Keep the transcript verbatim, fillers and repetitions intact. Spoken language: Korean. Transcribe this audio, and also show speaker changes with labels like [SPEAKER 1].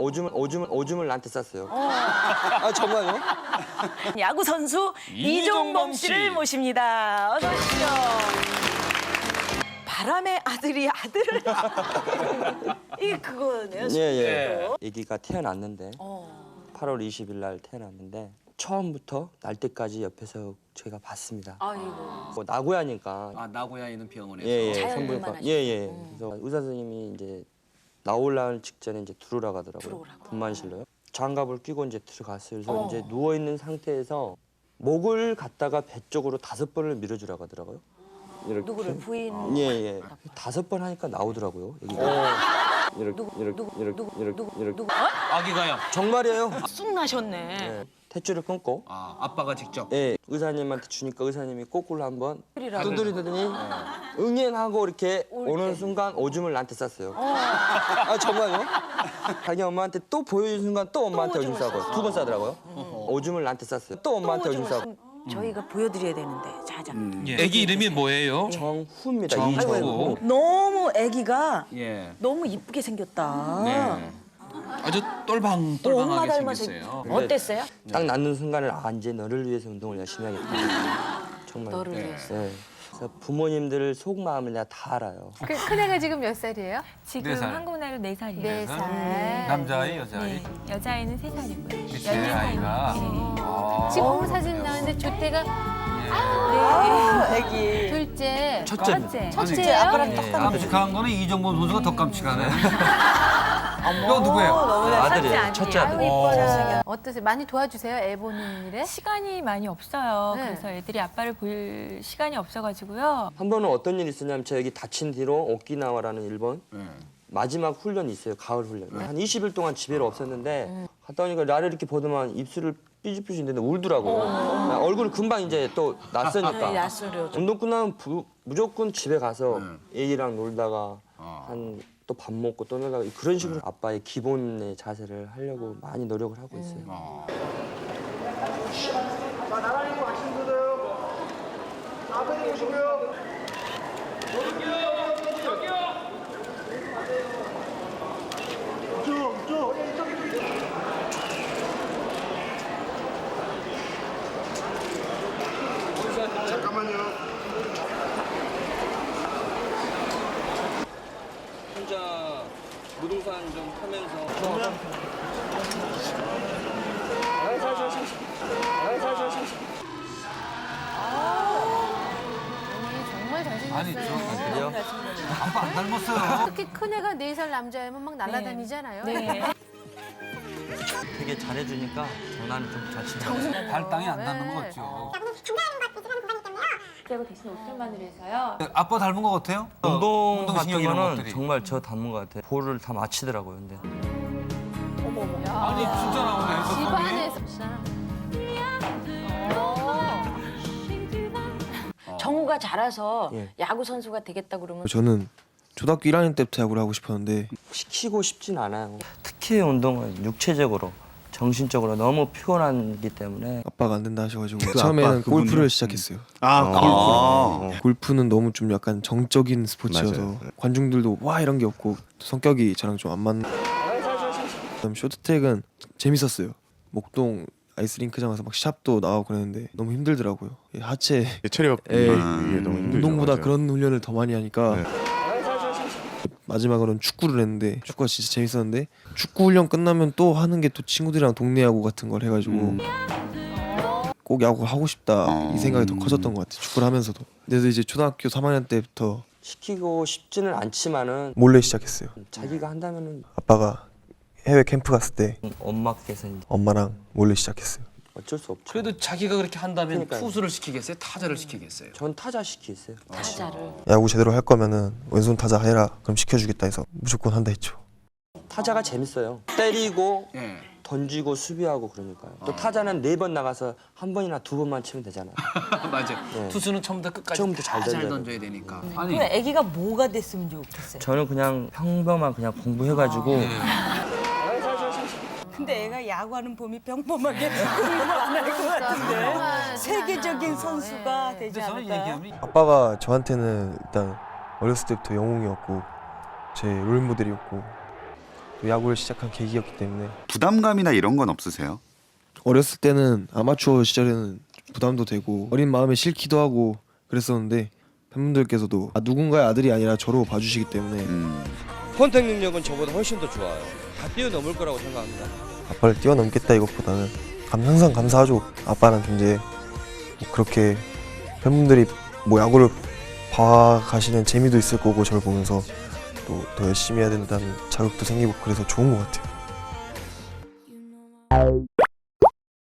[SPEAKER 1] 오줌을 오줌을 오줌을 나한테 쌌어요. 아 정말요?
[SPEAKER 2] 야구 선수 이종범 씨를 모십니다. 어서 오십시오. 바람의 아들이 아들을 이게 그거네요.
[SPEAKER 1] 예예. 아기가 태어났는데
[SPEAKER 2] 어.
[SPEAKER 1] 팔월 이십일 날 태어났는데 처음부터 날 때까지 옆에서 저희가 봤습니다.
[SPEAKER 2] 아이고.
[SPEAKER 1] 뭐 나고야니까.
[SPEAKER 3] 아 나고야 있는 병원에서.
[SPEAKER 1] 예예.
[SPEAKER 2] 자연분만
[SPEAKER 1] 산부인과.
[SPEAKER 2] 하시고.
[SPEAKER 1] 예예.
[SPEAKER 2] 음.
[SPEAKER 1] 그래서 의사 선생님이 이제 나올 직전에 이제 들어오라고 하더라고요.
[SPEAKER 2] 들어오라고.
[SPEAKER 1] 분만실로요. 장갑을 끼고 이제 들어갔어요. 그래서
[SPEAKER 2] 어.
[SPEAKER 1] 이제 누워 있는 상태에서 목을 갖다가 배 쪽으로 다섯 번을 밀어주라고 하더라고요. 이렇게.
[SPEAKER 2] 누구를 부인?
[SPEAKER 1] 예예. 다섯 번 하니까 나오더라고요. 여기가. 이렇게
[SPEAKER 2] 누구,
[SPEAKER 1] 이렇게
[SPEAKER 2] 누구,
[SPEAKER 1] 이렇게
[SPEAKER 2] 누구,
[SPEAKER 1] 이렇게
[SPEAKER 2] 누구,
[SPEAKER 1] 이렇게.
[SPEAKER 2] 누구? 어?
[SPEAKER 3] 아기가요.
[SPEAKER 1] 정말이에요.
[SPEAKER 2] 쑥 나셨네.
[SPEAKER 1] 예. 탯줄을 끊고
[SPEAKER 3] 아 아빠가 직접.
[SPEAKER 1] 예, 의사님한테 주니까 의사님이 거꾸로 한번
[SPEAKER 2] 뿔이라고.
[SPEAKER 1] 두드리더니 응행하고 이렇게
[SPEAKER 2] 올
[SPEAKER 1] 오는
[SPEAKER 2] 때.
[SPEAKER 1] 순간 오줌을 나한테 쌌어요. 아 정말요? 자기 엄마한테 또 보여준 순간 또 엄마한테 오줌
[SPEAKER 2] 오줌을
[SPEAKER 1] 싸고 두 번 싸더라고요. 오줌을 나한테 쌌어요. 또 엄마한테 오줌 싸고.
[SPEAKER 2] 저희가 보여드려야 되는데 자자.
[SPEAKER 4] 애기 이름이 뭐예요?
[SPEAKER 1] 정후입니다.
[SPEAKER 4] 정후.
[SPEAKER 1] 이정후.
[SPEAKER 2] 너무 아기가
[SPEAKER 3] 예.
[SPEAKER 2] 너무 이쁘게 생겼다.
[SPEAKER 3] 네.
[SPEAKER 4] 아주
[SPEAKER 2] 엄마
[SPEAKER 4] 똘방똘방하게
[SPEAKER 2] 닮아서
[SPEAKER 4] 생겼어요.
[SPEAKER 2] 어땠어요?
[SPEAKER 1] 딱 낳는 순간을 아 이제 너를 위해서 운동을 열심히 하겠다. 정말.
[SPEAKER 2] 너를
[SPEAKER 3] 네.
[SPEAKER 2] 위해서.
[SPEAKER 1] 네. 그래서 부모님들 속마음을 내가 다 알아요.
[SPEAKER 5] 그 큰애가 지금 몇 살이에요?
[SPEAKER 6] 지금
[SPEAKER 4] 네 살.
[SPEAKER 6] 한국 나이로 네 살이에요.
[SPEAKER 5] 네 살.
[SPEAKER 4] 남자아이, 여자아이?
[SPEAKER 6] 네, 여자아이는 세 살이고요.
[SPEAKER 4] 제 아이가. 아.
[SPEAKER 5] 지금 사진 나왔는데 조태가
[SPEAKER 2] 아, 아기.
[SPEAKER 5] 둘째,
[SPEAKER 4] 첫째.
[SPEAKER 6] 첫째.
[SPEAKER 5] 첫째예요?
[SPEAKER 2] 아빠랑 딱 닮았네.
[SPEAKER 3] 깜찍한 거는 이정범 선수가 더 깜찍하네. 이거 누구예요?
[SPEAKER 2] 너무나
[SPEAKER 1] 아들이에요. 첫째 아들.
[SPEAKER 5] 아유 이뻐라. 어떠세요? 많이 도와주세요? 애 보는 일에?
[SPEAKER 6] 시간이 많이 없어요.
[SPEAKER 5] 네.
[SPEAKER 6] 그래서 애들이 아빠를 볼 시간이 없어가지고요.
[SPEAKER 1] 한 번은 어떤 일이 있었냐면 저 여기 다친 뒤로 오키나와라는 일본
[SPEAKER 3] 네.
[SPEAKER 1] 마지막 훈련이 있어요. 가을 훈련. 한 이십 일 동안 집에를 없었는데 갔다 오니까 나를 이렇게 보더만 입술을 삐죽삐죽인데 울더라고. 얼굴이 금방 이제 또 낯서니까.
[SPEAKER 2] 낯설려.
[SPEAKER 1] 운동 끝나면 부, 무조건 집에 가서 애기랑 놀다가
[SPEAKER 3] 어.
[SPEAKER 1] 한 또 밥 먹고 또 놀다가 그런 식으로 아빠의 기본의 자세를 하려고 많이 노력을 하고 있어요.
[SPEAKER 3] 어.
[SPEAKER 1] 혼자 무등산 좀 타면서
[SPEAKER 5] 어머니 정말
[SPEAKER 3] 아니
[SPEAKER 5] 잘생겼어요.
[SPEAKER 3] 저 아빠 안 닮았어요.
[SPEAKER 5] 특히 큰애가 네 살 남자애면 막 날아다니잖아요.
[SPEAKER 6] 네.
[SPEAKER 1] 되게 잘해주니까 장난을 좀 잘 치더라고요.
[SPEAKER 3] 발당이 안 닿는 거 같죠.
[SPEAKER 6] 그리고 대신 옷들만으로 해서요.
[SPEAKER 3] 아빠 닮은 거 같아요?
[SPEAKER 1] 운동
[SPEAKER 3] 운동신경
[SPEAKER 1] 같은
[SPEAKER 3] 이런
[SPEAKER 1] 거는
[SPEAKER 3] 것들이.
[SPEAKER 1] 정말 저 닮은 것 같아요. 볼을 다 맞히더라고요. 근데
[SPEAKER 3] 아니 진짜 나오네. 저
[SPEAKER 5] 집안에서.
[SPEAKER 2] 정우가 자라서
[SPEAKER 1] 예.
[SPEAKER 2] 야구 선수가 되겠다 그러면
[SPEAKER 7] 저는 초등학교 일 학년 때부터 야구를 하고 싶었는데
[SPEAKER 1] 시키고 싶진 않아요. 특히 운동은 육체적으로, 정신적으로 너무 피곤하기 때문에
[SPEAKER 7] 아빠가 안 된다 하셔가지고
[SPEAKER 8] 그
[SPEAKER 7] 처음에는
[SPEAKER 8] 아빠 그분이요?
[SPEAKER 7] 골프를 시작했어요.
[SPEAKER 8] 아,
[SPEAKER 7] 골프.
[SPEAKER 8] 골프.
[SPEAKER 7] 골프는 너무 좀 약간 정적인 스포츠여서
[SPEAKER 8] 맞아요.
[SPEAKER 7] 관중들도 와 이런 게 없고 성격이 저랑 좀 안 맞는. 그다음 쇼트트랙은 재밌었어요. 목동 아이스링크장 가서 막 샵도 나가고 그랬는데 너무 힘들더라고요. 이 하체
[SPEAKER 8] 체력
[SPEAKER 7] 에,
[SPEAKER 8] 이게 너무 힘들죠.
[SPEAKER 7] 운동보다
[SPEAKER 8] 맞아요.
[SPEAKER 7] 그런 훈련을 더 많이 하니까
[SPEAKER 8] 네.
[SPEAKER 7] 마지막으로는 축구를 했는데 축구가 진짜 재밌었는데 축구 훈련 끝나면 또 하는 게 또 친구들이랑 동네 야구 같은 걸 해가지고
[SPEAKER 8] 음.
[SPEAKER 7] 꼭 야구 하고 싶다
[SPEAKER 8] 어.
[SPEAKER 7] 이 생각이 더 커졌던 것 같아요. 축구를 하면서도. 그래서 이제 초등학교 삼 학년 때부터
[SPEAKER 1] 시키고 싶지는 않지만은
[SPEAKER 7] 몰래 시작했어요.
[SPEAKER 1] 자기가 한다면은
[SPEAKER 7] 아빠가 해외 캠프 갔을 때
[SPEAKER 1] 엄마께서 이제
[SPEAKER 7] 엄마랑 몰래 시작했어요.
[SPEAKER 1] 어쩔 수 없죠.
[SPEAKER 3] 그래도 자기가 그렇게 한다면
[SPEAKER 1] 그러니까요.
[SPEAKER 3] 투수를 시키겠어요? 타자를 시키겠어요?
[SPEAKER 1] 전 타자 시키겠어요.
[SPEAKER 2] 타자를
[SPEAKER 7] 야구 제대로 할 거면은 왼손 타자 해라. 그럼 시켜주겠다 해서 무조건 한다 했죠.
[SPEAKER 1] 타자가 재밌어요. 때리고
[SPEAKER 3] 예.
[SPEAKER 1] 던지고 수비하고 그러니까요. 또 타자는 네 번 나가서 한 번이나 두 번만 치면 되잖아요.
[SPEAKER 3] 맞아.
[SPEAKER 1] 네.
[SPEAKER 3] 투수는 처음부터 끝까지
[SPEAKER 1] 처음부터 잘
[SPEAKER 3] 다 잘
[SPEAKER 1] 던져야
[SPEAKER 3] 던져야 되니까.
[SPEAKER 2] 그럼
[SPEAKER 3] 아니
[SPEAKER 2] 아기가 뭐가 됐으면 좋겠어요.
[SPEAKER 1] 저는 그냥 평범한 그냥 공부해가지고
[SPEAKER 2] 근데 애가 야구하는 봄이 평범하게 공부 안 할 것 같은데 세계적인 선수가 되지
[SPEAKER 3] 근데 저는
[SPEAKER 2] 않을까?
[SPEAKER 3] 얘기하면
[SPEAKER 7] 아빠가 저한테는 일단 어렸을 때부터 영웅이었고 제 롤모델이었고 또 야구를 시작한 계기였기 때문에
[SPEAKER 8] 부담감이나 이런 건 없으세요?
[SPEAKER 7] 어렸을 때는 아마추어 시절에는 부담도 되고 어린 마음에 싫기도 하고 그랬었는데 팬분들께서도 아, 누군가의 아들이 아니라 저로 봐주시기 때문에
[SPEAKER 8] 음.
[SPEAKER 1] 컨택 능력은 저보다 훨씬 더 좋아요. 다 뛰어넘을 거라고 생각합니다.
[SPEAKER 7] 아빠를 뛰어넘겠다 이것보다는 감, 항상 감사하죠. 아빠란 존재에 뭐 그렇게 팬분들이 뭐 야구를 봐가시는 재미도 있을 거고 저를 보면서 또 더 열심히 해야 된다는 자극도 생기고 그래서 좋은 것 같아요.